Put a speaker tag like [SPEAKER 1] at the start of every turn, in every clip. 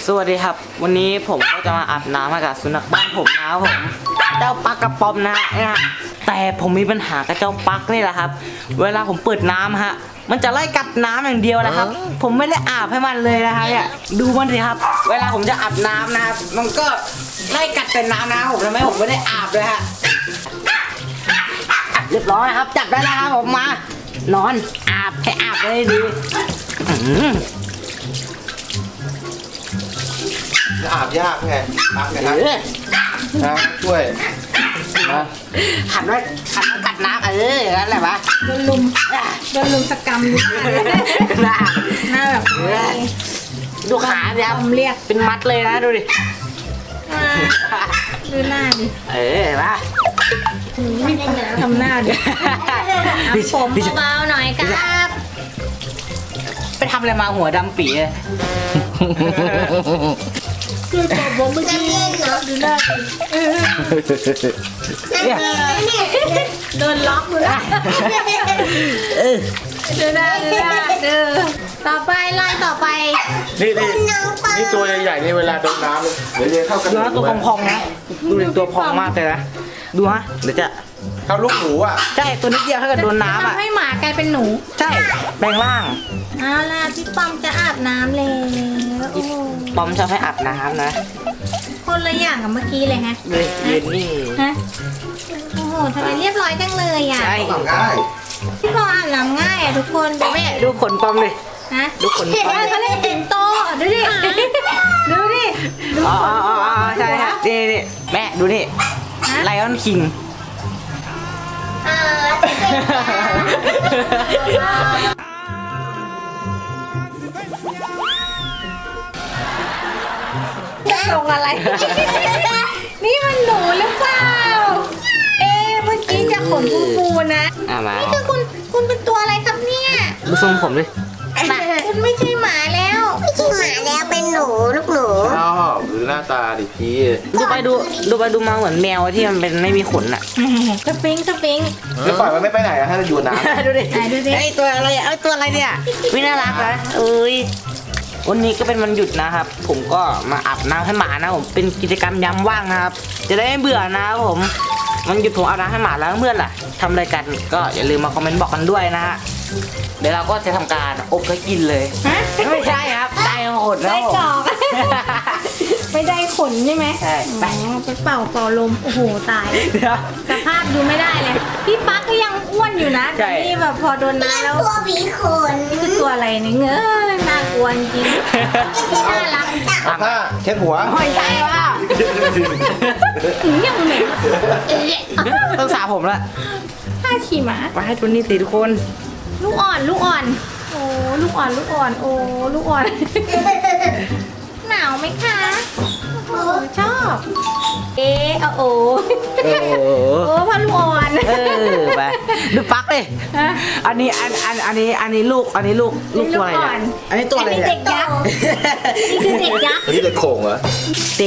[SPEAKER 1] สวัสดีครับวันนี้ผมก็จะมาอาบน้ำให้กับสุนัขบ้านผมนะครับผมเจ้าปักกระป๋อมนะฮะแต่ผมมีปัญหากับเจ้าปักนี่แหละครับเวลาผมเปิดน้ำฮะมันจะไล่กัดน้ำอย่างเดียวนะครับผมไม่ได้อาบให้มันเลยนะครับเนี่ยดูมันสิครับเวลาผมจะอาบน้ำนะครับมันก็ไล่กัดแต่น้ำนะผมทำให้ผมไม่ได้อาบเลยฮะเรียบร้อยครับจับได้แล้วครับผมมานอนอาบให้อาบได้ดี
[SPEAKER 2] อาบยากไงปักไงครับนะช่วยนะ
[SPEAKER 1] หันไว้กัดน้ำนั่นแหละปะ
[SPEAKER 3] โดนลุมสกรรมอยู่หน้าแบบ
[SPEAKER 1] ดูขาเนี่ยครับ
[SPEAKER 3] เรียก
[SPEAKER 1] เป็นมัดเลยนะดูดิ
[SPEAKER 3] ดูหน้าดิ
[SPEAKER 1] ปะ
[SPEAKER 3] ทำหน้าดิผมเบาๆหน่อยครับ
[SPEAKER 1] ไปทำอะไรมาหัวดำปีเลย
[SPEAKER 3] คือผมไม่ได้เล่นเนาะดูหน้าดิโดนล็อกเลยดูหน้าต่อไปไล่ต่อไป
[SPEAKER 2] นี่ตัวใหญ่ๆนี่เวลาโดนน้ำเดี๋ยวเข้ากัน
[SPEAKER 1] ดูนะตัวพองๆนะดูเป็นตัวพองมากเลยนะดูฮะเดี๋ยวจะ
[SPEAKER 2] เข้าลูกหมูอ่ะ
[SPEAKER 1] ใช่ตัวนิดเดียวถ้าเกิดโดนน้ำอ่ะ
[SPEAKER 3] ให้หมากลายเป็นหนู
[SPEAKER 1] ใช่แปลงร่าง
[SPEAKER 3] เอาล่ะพี่ปอมจะอาบน้ำเลย
[SPEAKER 1] ปอมชอบให้อาบน้ำนะ
[SPEAKER 3] คนละอย่างกับเมื่อกี้เลยฮะ
[SPEAKER 1] เย็นนี่
[SPEAKER 3] ฮะโอ้โหทำไมเรียบร้อยจังเลยอ่ะ
[SPEAKER 1] ใช่
[SPEAKER 2] ง่าย
[SPEAKER 3] พี่ปอมอาบน้ำง่ายอ่ะทุกคน
[SPEAKER 1] แม่ดูขนปอมเลย
[SPEAKER 3] ฮะ
[SPEAKER 1] ดูขนปอม
[SPEAKER 3] เขาเรียกสิงโตดูดิ
[SPEAKER 1] อ๋อใช่ฮะนี่แม่ดูนี่ไลออนคิง
[SPEAKER 3] ลงอะไรนี่มันหนูหรือเปล่าเมื่อกี้จะขนฟูๆนะนี่คือคุณเป็นตัวอะไรครับเนี่ย
[SPEAKER 1] ดูทรงผมดิ
[SPEAKER 3] คุณไม่ใช่หมาแล้วเป็นหนูลูกหนู
[SPEAKER 2] ชอบหรือหน้าตาดิพี่
[SPEAKER 1] ดูไปดูมาเหมือนแมวที่มันเป็นไม่มีขนอ่ะ
[SPEAKER 3] สปริง
[SPEAKER 2] แล้วปล่อยมันไม่ไปไหนอะถ้าจะอยู่น้ำ
[SPEAKER 1] ดูดิไอตัวอะไรตัวอะไรเนี่ยไม่น่ารักนะวันนี้ก็เป็นวันหยุดนะครับผมก็มาอาบน้ำให้หมานะผมเป็นกิจกรรมยามว่างนะครับจะได้ไม่เบื่อนะครับผมวันหยุดผมอาบน้ำให้หมาแล้วเพื่อนล่ะทำอะไรกันก็อย่าลืมมาคอมเมนต์บอกกันด้วยนะฮะเดี๋ยวเราก็จะทำการอบแล้วกินเลยไม่ใช่ครับได้ขนแล้ว
[SPEAKER 3] ได้กรอกไม่ได้ขนใช่ไหม
[SPEAKER 1] ใช่
[SPEAKER 3] ไปเป่าลมโอ้โหตายสภาพดูไม่ได้เลยพี่ปั๊กก็ยังอ้วนอยู่นะแต่นี่แบบพอโดนน้ำแล้ว
[SPEAKER 4] ตัวผีขน
[SPEAKER 3] นี่คือตัวอะไรเนี่ยเงยน่ากลัวจริงน่ารัก
[SPEAKER 2] ผ้าเช็ดหัว
[SPEAKER 1] ไม่ใช่ว่า
[SPEAKER 3] ยังเหม็น
[SPEAKER 1] ต้องสระผมละ
[SPEAKER 3] ผ้าขี่ม้า
[SPEAKER 1] มาให้ทุนนี่สิทุกคน
[SPEAKER 3] ลูกอ่อนโอ้ลูกอ่อนโอ้ลูกอ่อนหนาวไหมคะโอ้ชอบโอ้พ่อลูกอ่อน
[SPEAKER 1] ไปดูปักเลยอันนี้ลูกตัวอะไรเนี่ยอันนี้ตัวอะไรเนี่ย
[SPEAKER 3] เด็กยักษ์นี่คือเด็กยักษ์
[SPEAKER 2] นี่เด็กโขงเหรอ
[SPEAKER 1] เต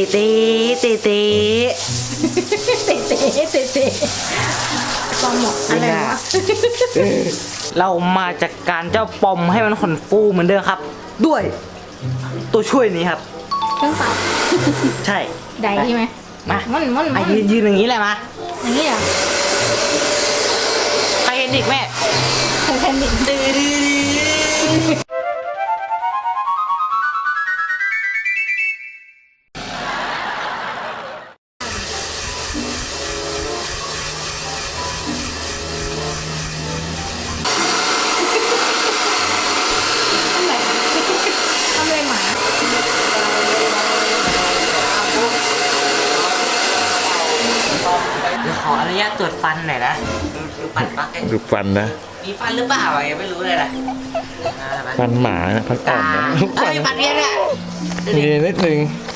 [SPEAKER 3] ปอมหมดอะไรวะ
[SPEAKER 1] เรามาจากการเจ้าปอมให้มันขนฟูเหมือนเดิมครับด้วยตัวช่วยนี้ครับ
[SPEAKER 3] เครื่องเป่า
[SPEAKER 1] ใช่
[SPEAKER 3] ได้ใช่ไหม
[SPEAKER 1] มา
[SPEAKER 3] มัน
[SPEAKER 1] ยืนอย่างนี้แหละมา
[SPEAKER 3] อย่างนี้เหรอ
[SPEAKER 1] ใครเห็นอีกแม่
[SPEAKER 3] ใครเห็นอีก
[SPEAKER 1] ขออนุญาตตรวจฟันหน่อยนะดูฟันปัก
[SPEAKER 2] ดูฟันนะ
[SPEAKER 1] มีฟันหรือเปล่ายังไม่รู้เลยนะ
[SPEAKER 2] ฟันหมาฟันอ่อนนะ
[SPEAKER 1] ฟันเนี้ยเนี่ย
[SPEAKER 2] มีนิดนึง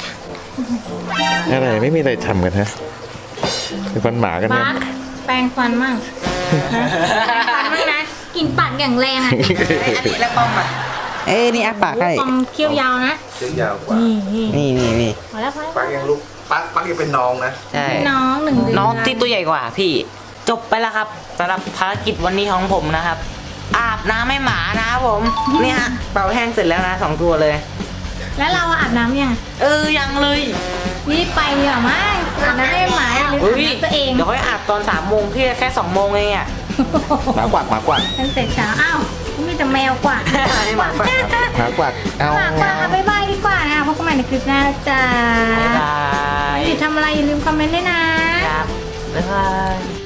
[SPEAKER 2] อะไรไม่มีอะไรทำกันฮะเป็นฟันหมากันนะ
[SPEAKER 3] แปรงฟันมั่งนะกินปากอย่างแรงอ่ะ
[SPEAKER 1] อันนี้แล้วป้อมอ่ะนี่อาปากให้
[SPEAKER 3] ป้อมเคี้ยวยาวนะ
[SPEAKER 2] เคี้ยวยาวกว่า
[SPEAKER 1] นี่
[SPEAKER 3] พอแล้ว
[SPEAKER 2] ปักยังลูกปักยังเป็นน้องนะ
[SPEAKER 1] ใช่
[SPEAKER 3] น้อง1 เดือน
[SPEAKER 1] น้องที่ตัวใหญ่กว่าพี่จบไปแล้วครับสำหรับภารกิจวันนี้ของผมนะครับอาบน้ำให้หมานะครับผมนี่ฮะเป่าแห้งเสร็จแล้วนะ2 ตัวเลย
[SPEAKER 3] แล้วเราอาบน้ำยัง
[SPEAKER 1] ยังเลย
[SPEAKER 3] รีบไปดีกว่ามั้งอาบน้ำให้หมาหรืออาบ
[SPEAKER 1] เฮ้ย
[SPEAKER 3] น้ำตัวเอง
[SPEAKER 1] เดี๋ยวค่อยอาบตอน3 โมงพี่แค่2 โมงเองอ่ะ
[SPEAKER 2] หมากวักหมากวัก
[SPEAKER 3] ตั้งแต่เช้าอ้าวมีแต่แมวกว่า
[SPEAKER 1] ให้หมาก่อนครับ
[SPEAKER 2] หมากวักเอา
[SPEAKER 3] หมากว่าบ๊ายบายดีกว่านะพบกันใหม่ในคลิปหน้าจ้า
[SPEAKER 1] บ๊ายบาย
[SPEAKER 3] อย่าทำอะไรอย่าลืมคอมเมนต์ด้วยนะ
[SPEAKER 1] ครับบ๊ายบาย